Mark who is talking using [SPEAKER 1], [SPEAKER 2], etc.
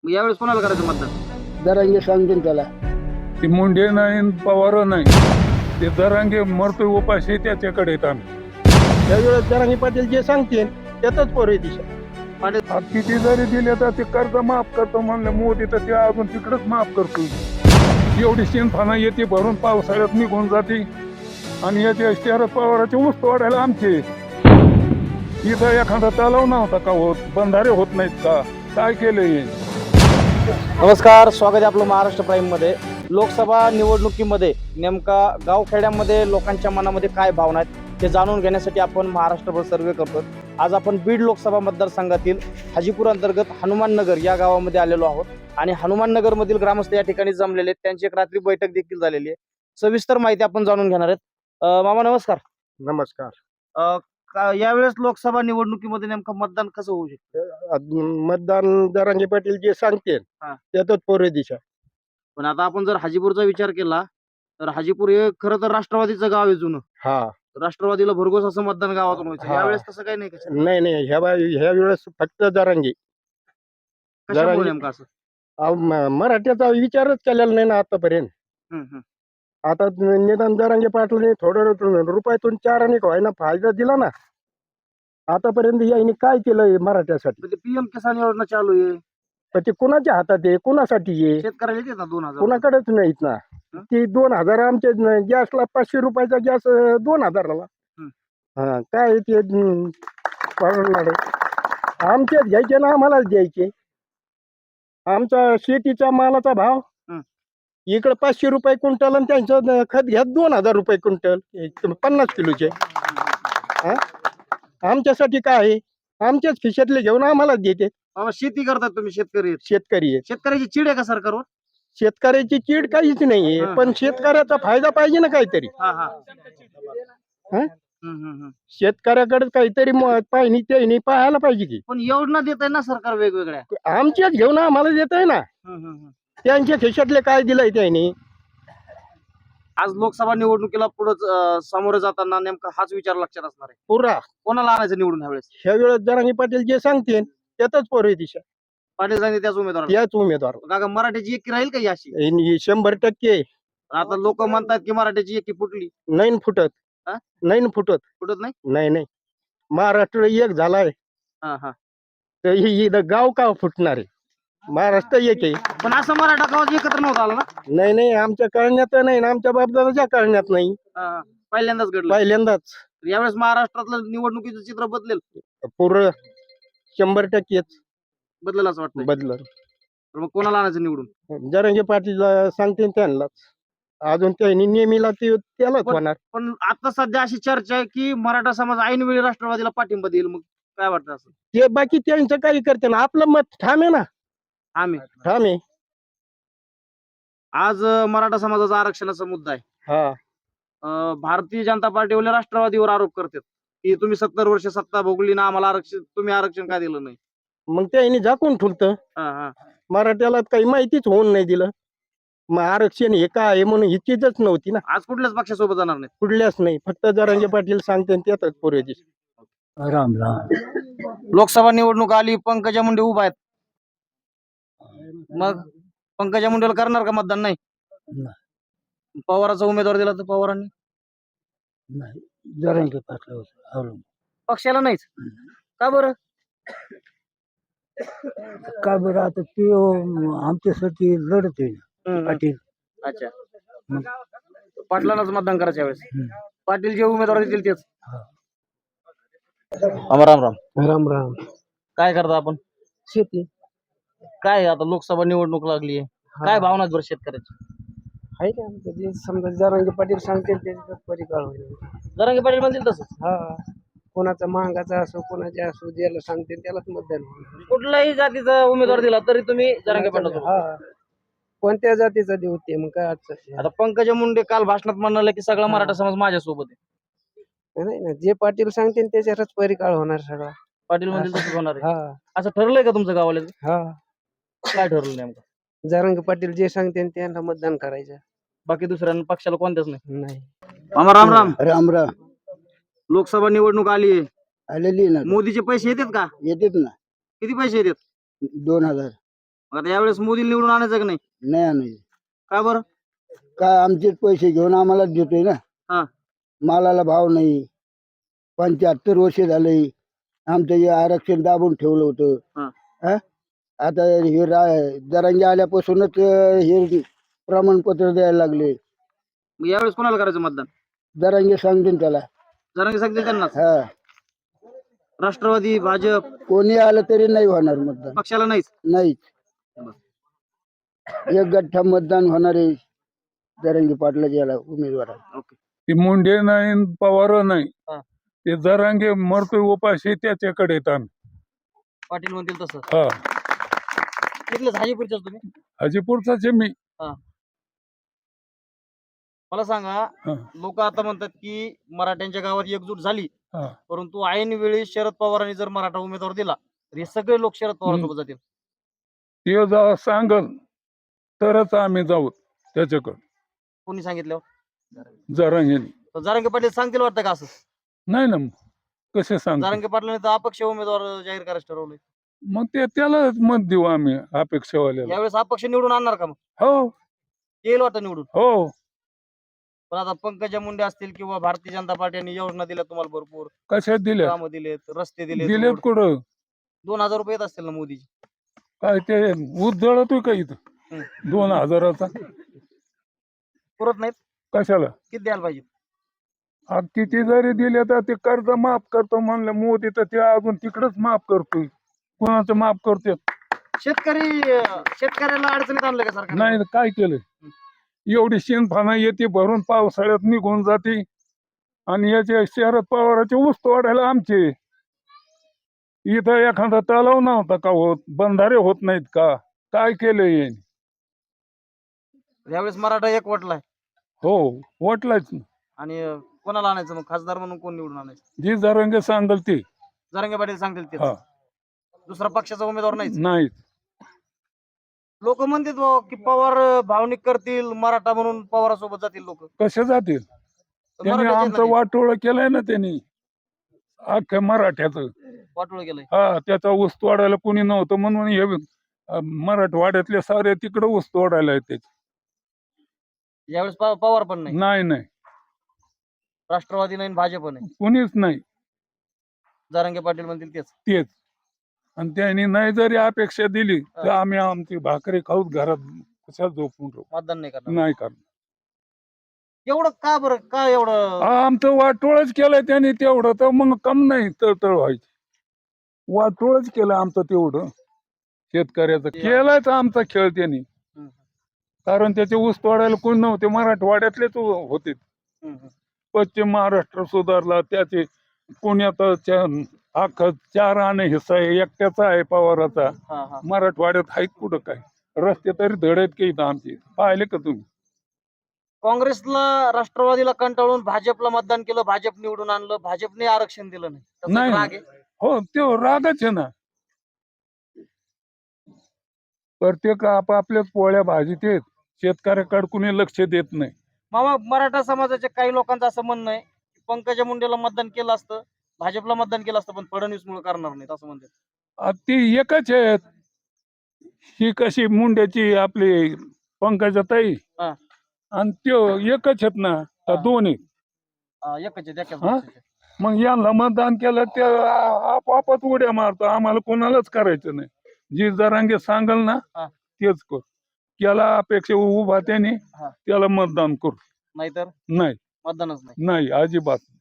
[SPEAKER 1] मग यावेळेस कोणाला करायचं मतदान?
[SPEAKER 2] जरांगे सांगतील त्याला.
[SPEAKER 3] ती मुंडे नाही पवार नाही, ते दरांगे मरतोय उपाशी त्याच्याकडे येत आम्ही.
[SPEAKER 2] त्यावेळेस जरांगे पाटील जे सांगतील त्यातच पोर दिशा.
[SPEAKER 3] आता किती जरी दिले तर ते कर्ज माफ करतो म्हणलं मोदी, तर ते अजून तिकडच माफ करतो. एवढी शेणफाना येते भरून पावसाळ्यात निघून जाते आणि याचे शरद पवाराचे ऊस तोडायला आमचे. इथं एखादा तलाव नव्हता का होत, बंधारे होत नाहीत का, काय केलंय?
[SPEAKER 1] नमस्कार, स्वागत आहे आपलं महाराष्ट्र प्राईम मध्ये. लोकसभा निवडणुकीमध्ये नेमका गावखेड्यामध्ये लोकांच्या मनामध्ये काय भावना आहेत ते जाणून घेण्यासाठी आपण महाराष्ट्रभर सर्वे करतो. आज आपण बीड लोकसभा मतदारसंघातील हाजीपूर अंतर्गत हनुमान नगर या गावामध्ये आलेलो आहोत आणि हनुमान नगर मधील ग्रामस्थ या ठिकाणी जमलेले आहेत. त्यांची एक रात्री बैठक देखील झालेली आहे. सविस्तर माहिती आपण जाणून घेणार आहेत. मामा नमस्कार.
[SPEAKER 2] नमस्कार.
[SPEAKER 1] यावेळेस लोकसभा निवडणुकीमध्ये नेमकं मतदान कसं होऊ शकतं?
[SPEAKER 2] मतदान जरांगे पाटील जे सांगतील
[SPEAKER 1] हा.
[SPEAKER 2] त्यातच पोर दिशा.
[SPEAKER 1] पण आता आपण जर हाजीपूरचा विचार केला तर हाजीपूर हे खरं तर राष्ट्रवादीचं गाव आहे जुनं.
[SPEAKER 2] हा.
[SPEAKER 1] राष्ट्रवादीला भरघोस असं मतदान गावातून व्हायचं.
[SPEAKER 2] हा.
[SPEAKER 1] यावेळेस तसं काही नाही का?
[SPEAKER 2] नाही ह्या वेळेस फक्त जरांगे.
[SPEAKER 1] कशामुळे नेमकं असं?
[SPEAKER 2] मराठ्याचा विचारच केलेला नाही ना आतापर्यंत. आता निदान जरांगे पाटलाने थोडं रुपयातून 4 आणि व्हायना फायदा दिला ना. आतापर्यंत यांनी काय केलंय मराठ्यासाठी?
[SPEAKER 1] म्हणजे पीएम किसान योजना चालू आहे,
[SPEAKER 2] पण ते कुणाच्या हातात आहे, कुणासाठी आहे?
[SPEAKER 1] शेतकऱ्याला येते ना 2000.
[SPEAKER 2] कुणाकडेच नाहीत ना. ती 2000 आमच्या गॅसला 500 रुपयाचा गॅस 2000ला. हा काय ते परवडणार आहे? आमचेच घ्यायचे ना आम्हालाच द्यायचे. आमचा शेतीचा मालाचा भाव इकडे 500 रुपये क्विंटल आणि त्यांचं खत घ्या 2000 रुपये क्विंटल 50 किलोचे. हा आमच्यासाठी काय आहे? आमच्याच खिशातले घेऊन आम्हालाच देते.
[SPEAKER 1] बाबा शेती करतात तुम्ही, शेतकरी आहेत.
[SPEAKER 2] शेतकरी आहे.
[SPEAKER 1] शेतकऱ्याची चीड आहे का सरकारवर?
[SPEAKER 2] शेतकऱ्याची चीड काहीच नाहीये,
[SPEAKER 1] हा.
[SPEAKER 2] पण शेतकऱ्याचा फायदा पाहिजे ना काहीतरी.
[SPEAKER 1] हा हा.
[SPEAKER 2] हा?
[SPEAKER 1] हम्म.
[SPEAKER 2] शेतकऱ्याकडे काहीतरी पाहिजे ते पाहायला पाहिजे की.
[SPEAKER 1] पण योजना देत आहे ना सरकार वेगवेगळ्या.
[SPEAKER 2] आमच्याच घेऊन आम्हाला देत आहे ना. त्यांच्या खिशातले काय दिलंय त्यांनी.
[SPEAKER 1] आज लोकसभा निवडणुकीला पुढे सामोरे जाताना नेमका हाच विचार लक्षात असणार आहे.
[SPEAKER 2] पुरा
[SPEAKER 1] कोणाला आणायचं निवडून ह्यावेळेस?
[SPEAKER 2] ह्या वेळेस जरांगे पाटील जे सांगतील त्यातच पोर दिशा.
[SPEAKER 1] पाटील सांगते त्याच उमेदवार.
[SPEAKER 2] त्याच उमेदवार.
[SPEAKER 1] काका मराठीची एकी राहील का ही अशी?
[SPEAKER 2] 100%
[SPEAKER 1] आता लोक म्हणतात की मराठीची एकी फुटली.
[SPEAKER 2] नाही फुटत.
[SPEAKER 1] हा?
[SPEAKER 2] नाही फुटत.
[SPEAKER 1] फुटत नाही.
[SPEAKER 2] नाही महाराष्ट्र एक झालाय
[SPEAKER 1] हा.
[SPEAKER 2] तर ही गाव का फुटणार आहे? महाराष्ट्र एक आहे.
[SPEAKER 1] पण असं मराठा गावात एकत्र नव्हतं आलं ना.
[SPEAKER 2] नाही आमच्या कळण्यात नाही ना, आमच्या बापदादाच्या कळण्यात नाही.
[SPEAKER 1] पहिल्यांदाच घडलं.
[SPEAKER 2] पहिल्यांदाच.
[SPEAKER 1] यावेळेस महाराष्ट्रातलं निवडणुकीचं चित्र बदलेल.
[SPEAKER 2] पूर्ण 100%
[SPEAKER 1] बदलेल असं वाटतं.
[SPEAKER 2] बदलल.
[SPEAKER 1] तर मग कोणाला आणायचं निवडून?
[SPEAKER 2] जरांगे पाटील सांगतील त्यांनाच. अजून त्यांनी नेहमीला त्यालाच होणार.
[SPEAKER 1] पण आता सध्या अशी चर्चा आहे की मराठा समाज ऐनवेळी राष्ट्रवादीला पाठिंबा देईल. मग काय वाटतं असं?
[SPEAKER 2] ते बाकी त्यांचं काही करते ना, आपलं मत ठाम आहे ना.
[SPEAKER 1] आम्ही
[SPEAKER 2] ठाम आहे.
[SPEAKER 1] आज मराठा समाजाचा आरक्षणाचा मुद्दा आहे.
[SPEAKER 2] हा.
[SPEAKER 1] भारतीय जनता पार्टीवाले राष्ट्रवादीवर आरोप करतात की तुम्ही 70 वर्ष सत्ता भोगली ना, आम्हाला तुम्ही आरक्षण का दिलं नाही?
[SPEAKER 2] मग त्यांनी झाकून ठुलतं. मराठ्याला काही माहितीच होऊन नाही दिलं. मग आरक्षण हे काय आहे म्हणून हिचीच नव्हती ना.
[SPEAKER 1] आज कुठल्याच पक्षासोबत जाणार नाही.
[SPEAKER 2] कुठल्याच नाही, फक्त जरांगे पाटील सांगते त्यातच पोरे दिसत.
[SPEAKER 3] राम
[SPEAKER 1] लोकसभा निवडणूक आली, पंकजा मुंडे उभा आहेत. मग पंकजा मुंडेला करणार का मतदान? नाही. पवाराचा उमेदवार दिला तर पवारांनी
[SPEAKER 2] जरांगे पाटील
[SPEAKER 1] पक्षाला नाहीच का बरं?
[SPEAKER 2] काय बरं आता ते आमच्यासाठी लढत आहे पाटील.
[SPEAKER 1] अच्छा. पाटलांनाच मतदान करायच्या वेळेस पाटील जे उमेदवार देतील तेच. राम राम. काय करता आपण?
[SPEAKER 2] शेती
[SPEAKER 1] काय आता लोकसभा निवडणूक लागली आहे, काय भावना आहेत बरं शेतकऱ्याची?
[SPEAKER 2] आहे का? समजा जरांगे पाटील सांगतील त्याच्यात परिकाळ होईल.
[SPEAKER 1] जरांगे पाटील म्हणतील तसंच.
[SPEAKER 2] हा. कोणाचा महागाचा असो, कोणाच्या असो, ज्याला सांगतील त्यालाच मतदान होईल.
[SPEAKER 1] कुठल्याही जातीचा उमेदवार दिला तरी तुम्ही जरांगे पाटील.
[SPEAKER 2] हा. कोणत्या जातीचा देऊ ते मग काय अडचण
[SPEAKER 1] आता पंकजा मुंडे काल भाषणात म्हणाले की सगळा मराठा समाज माझ्यासोबत आहे.
[SPEAKER 2] नाही ना, जे पाटील सांगतील त्याच्यावरच परिकाळ होणार सगळा.
[SPEAKER 1] पाटील म्हणतील तसंच होणार आहे.
[SPEAKER 2] हा.
[SPEAKER 1] असं ठरलंय का तुमचं गावाला?
[SPEAKER 2] हा.
[SPEAKER 1] काय ठरलं नेमकं?
[SPEAKER 2] जरांगे पाटील जे सांगतील त्यांना मतदान करायचं.
[SPEAKER 1] बाकी दुसऱ्या पक्षाला कोणत्याच नाही.
[SPEAKER 2] नाही.
[SPEAKER 1] मामा राम राम.
[SPEAKER 2] राम राम.
[SPEAKER 1] लोकसभा निवडणूक आली आहे.
[SPEAKER 2] आलेली ना.
[SPEAKER 1] मोदीचे पैसे येतात का?
[SPEAKER 2] येतात ना.
[SPEAKER 1] किती पैसे येतात?
[SPEAKER 2] 2000.
[SPEAKER 1] मग आता यावेळेस मोदी निवडून आणायचं का नाही?
[SPEAKER 2] नाही आणायचे.
[SPEAKER 1] का बरं?
[SPEAKER 2] काय आमचेच पैसे घेऊन आम्हालाच देतोय ना.
[SPEAKER 1] हा.
[SPEAKER 2] मालाला भाव नाही. 75 वर्ष झाले आमचं हे आरक्षण दाबून ठेवलं होतं.
[SPEAKER 1] हा.
[SPEAKER 2] हा? आता हे जरांगे आल्यापासूनच हे प्रमाणपत्र द्यायला लागले.
[SPEAKER 1] मग यावेळेस कोणाला करायचं मतदान?
[SPEAKER 2] जरांगे सांगतील त्याला.
[SPEAKER 1] जरांगे सांगतील त्यांनाच.
[SPEAKER 2] हा.
[SPEAKER 1] राष्ट्रवादी, भाजप
[SPEAKER 2] कोणी आलं तरी नाही होणार मतदान.
[SPEAKER 1] पक्षाला नाहीच.
[SPEAKER 2] नाहीच. एक गठ्ठा मतदान होणार आहे जरांगे पाटला याला उमेदवार.
[SPEAKER 1] ओके.
[SPEAKER 3] ती मुंडे नाही न पवार नाही.
[SPEAKER 1] हा.
[SPEAKER 3] ते जरांगे मरतोय उपाशी त्याच्याकडे येत आम्ही.
[SPEAKER 1] पाटील म्हणतील तसं.
[SPEAKER 3] हा.
[SPEAKER 1] तिथलेच हाजीपूरच्याच तुम्ही?
[SPEAKER 3] हाजीपूरचाच आहे मी.
[SPEAKER 1] मला सांगा,
[SPEAKER 3] हा.
[SPEAKER 1] लोक आता म्हणतात की मराठ्यांच्या गावात एकजूट झाली,
[SPEAKER 3] हा.
[SPEAKER 1] परंतु ऐन वेळी शरद पवारांनी जर मराठा उमेदवार दिला तर हे सगळे लोक शरद पवारांसोबत जातील.
[SPEAKER 3] ते जेव्हा सांगल तरच आम्ही जाऊ त्याच्याकडे.
[SPEAKER 1] कोणी सांगितलं?
[SPEAKER 3] जरांगेने
[SPEAKER 1] तर जरांगे पाटील सांगतील वाटतं का असं?
[SPEAKER 3] नाही ना, कसे सांग.
[SPEAKER 1] जरांगे पाटलांनी तर अपक्ष उमेदवार जाहीर करायचं ठरवलंय.
[SPEAKER 3] मग त्याला मत देऊ आम्ही अपेक्षावाल्याला.
[SPEAKER 1] यावेळेस अपक्ष निवडून आणणार का? मग
[SPEAKER 3] हो
[SPEAKER 1] येईल वाटतं निवडून.
[SPEAKER 3] हो.
[SPEAKER 1] पण आता पंकजा मुंडे असतील किंवा भारतीय जनता पार्टीने योजना दिल्या तुम्हाला भरपूर,
[SPEAKER 3] कशात दिल्या?
[SPEAKER 1] कामं दिलेत, रस्ते दिलेत,
[SPEAKER 3] दिलेत कुठं?
[SPEAKER 1] 2000 रुपये येत असतील ना मोदीची?
[SPEAKER 3] काय ते ऊस जळतोय का इथं 2000चा?
[SPEAKER 1] पुरत नाहीत.
[SPEAKER 3] कशाला?
[SPEAKER 1] किती द्यायला पाहिजे?
[SPEAKER 3] किती जरी दिले तर ते कर्ज माफ करतो म्हणलं मोदी, तर ते अजून तिकडच माफ करतोय. कोणाचं माफ करते?
[SPEAKER 1] शेतकऱ्याला अडचणीत आणलं का सरकार?
[SPEAKER 3] नाही काय केलं? एवढी शेणफाना येते भरून पावसाळ्यात निघून जाते आणि याचे शरद पवाराचे ऊस तोडायला आमचे. इथं एखादा तलाव नव्हता का होत? बंधारे होत नाहीत का? काय केलंय यांनी?
[SPEAKER 1] यावेळेस मराठा एक वटलाय.
[SPEAKER 3] हो वाटलाच.
[SPEAKER 1] आणि कोणाला आणायचं मग? खासदार म्हणून कोण निवडून आणायचं?
[SPEAKER 3] जी जरंगे सांगल ते.
[SPEAKER 1] जरांगे पाटील सांगतील ते.
[SPEAKER 3] हा.
[SPEAKER 1] दुसरा पक्षाचा उमेदवार नाहीच.
[SPEAKER 3] नाही.
[SPEAKER 1] लोक म्हणतात बुवा की पवार भावनिक करतील, मराठा म्हणून पवारासोबत जातील लोक.
[SPEAKER 3] कसे जातील? त्यांनी आमचं वाटोळ केलंय ना त्यांनी अख्ख्या मराठ्याचं.
[SPEAKER 1] वाटोळ केलंय.
[SPEAKER 3] हा. त्याचा ऊस तोडायला कोणी नव्हतं म्हणून हे मराठवाड्यातले सारे तिकडे ऊस तोडायला येते.
[SPEAKER 1] यावेळेस पवार पण नाही,
[SPEAKER 3] नाही नाही
[SPEAKER 1] राष्ट्रवादी नाही, भाजप नाही,
[SPEAKER 3] कोणीच नाही.
[SPEAKER 1] जरांगे पाटील म्हणतील तेच.
[SPEAKER 3] तेच. आणि त्यांनी नाही जरी अपेक्षा दिली तर आम्ही आमची भाकरी खाऊच घरात कशा झोपून राहू.
[SPEAKER 1] मतदान नाही करणार.
[SPEAKER 3] नाही करणार.
[SPEAKER 1] एवढं का बरं? का एवढं?
[SPEAKER 3] आमचं वाटोळच केलंय त्यांनी तेवढं, तर मग कम नाही तळतळ व्हायची. वाटोळच केलं आमचं तेवढं शेतकऱ्याचं. केलायच आमचा खेळ त्यांनी. कारण त्याचे ऊस तोडायला कोण नव्हते, मराठवाड्यातलेच होते. पश्चिम महाराष्ट्र सुधारला, त्याचे पुण्यात अख्खा 4 आणे हिस्सा आहे, एकट्याचा आहे पवाराचा. मराठवाड्यात आहेत कुठं काय? रस्ते तरी धडत की इथं आमचे पाहिले का तुम्ही?
[SPEAKER 1] काँग्रेसला, राष्ट्रवादीला कंटाळून भाजपला मतदान केलं, भाजप निवडून आणलं, भाजपने आरक्षण दिलं नाही. त्याचा
[SPEAKER 3] नाही.
[SPEAKER 1] राग आहे.
[SPEAKER 3] हो ते रागच आहे ना. प्रत्येक आपापल्याच पोळ्या भाजीत आहेत. शेतकऱ्याकडे कुणी लक्ष देत नाही.
[SPEAKER 1] मामा, मराठा समाजाच्या काही लोकांचं असं म्हणणं आहे की पंकजा मुंडेला मतदान केलं असतं, भाजपला मतदान केलं असतं, पण फडणवीस मुळे करणार नाहीत असं म्हणतात.
[SPEAKER 3] ती एकच आहेत. ही कशी मुंड्याची आपली पंकजाताई आणि त्यो एकच आहेत ना, का दोन आहेत?
[SPEAKER 1] एकच आहे, एकच
[SPEAKER 3] हा?
[SPEAKER 1] पक्षाचे.
[SPEAKER 3] मग यांना मतदान केलं ते आपापच उड्या मारतो. आम्हाला कोणालाच करायचं नाही. जी जरांगे सांगल ना तेच कर. त्याला अपेक्षा उभा त्याने त्याला मतदान करू.
[SPEAKER 1] नाहीतर
[SPEAKER 3] नाही
[SPEAKER 1] मतदानच नाही.
[SPEAKER 3] नाही अजिबात.